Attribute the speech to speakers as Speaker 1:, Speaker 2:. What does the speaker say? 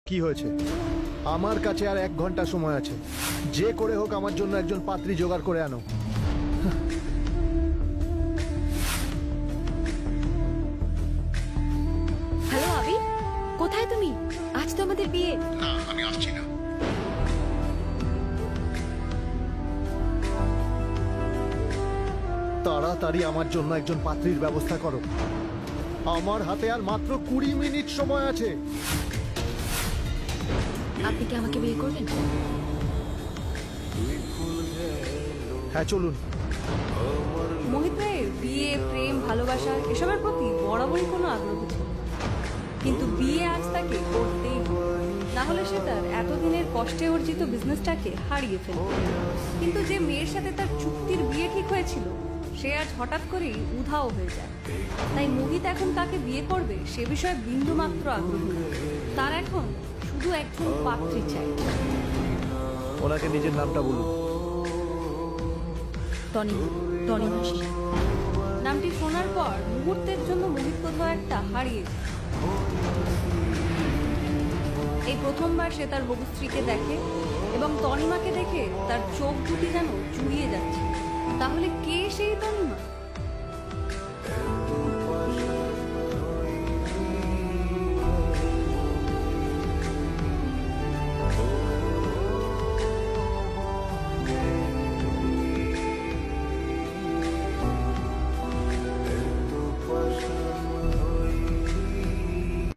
Speaker 1: কি হয়েছে? আমার কাছে আর 1 ঘন্টা সময় আছে। যে করে হোক আমার জন্য একজন পাত্রী জোগাড় করে আনো।
Speaker 2: হ্যালো আবি, কোথায় তুমি? আজ তো আমাদের বিয়ে।
Speaker 1: না, আমি আসছি না। তাড়াতাড়ি আমার জন্য একজন পাত্রীর ব্যবস্থা করো। আমার হাতে আর মাত্র 20 মিনিট সময় আছে।
Speaker 2: আপনি কি আমাকে বিয়ে করবেন?
Speaker 1: হ্যাঁ, চলুন।
Speaker 3: মোহিত ভাইয়ের বিয়ে, প্রেম, ভালোবাসা এসবের প্রতি বরাবরই কোনো আগ্রহ ছিল, কিন্তু বিয়ে আজ তাকে করতেই হবে, না হলে সে তার এতদিনের কষ্টে অর্জিত বিজনেসটাকে হারিয়ে ফেলবে। কিন্তু যে মেয়ের সাথে তার চুক্তির বিয়ে ঠিক হয়েছিল সে আজ হঠাৎ করেই উধাও হয়ে যায়। তাই মোহিত এখন কাকে বিয়ে করবে সে বিষয়ে বিন্দুমাত্র আগ্রহ নেই। তার এখন শুধু একজন পাত্রী চাই।
Speaker 1: ওনাকে নিজের নামটা বলুন।
Speaker 2: টনি মাসি।
Speaker 3: নামটি শোনার পর মুহূর্তের জন্য মোহিত কোথাও একটা হারিয়ে যায়। এই প্রথমবার সে তার হবু স্ত্রীকে দেখে এবং তনিমাকে দেখে তার চোখ দুটি যেন জুড়িয়ে যাচ্ছে। তাহলে কে সেই তনি?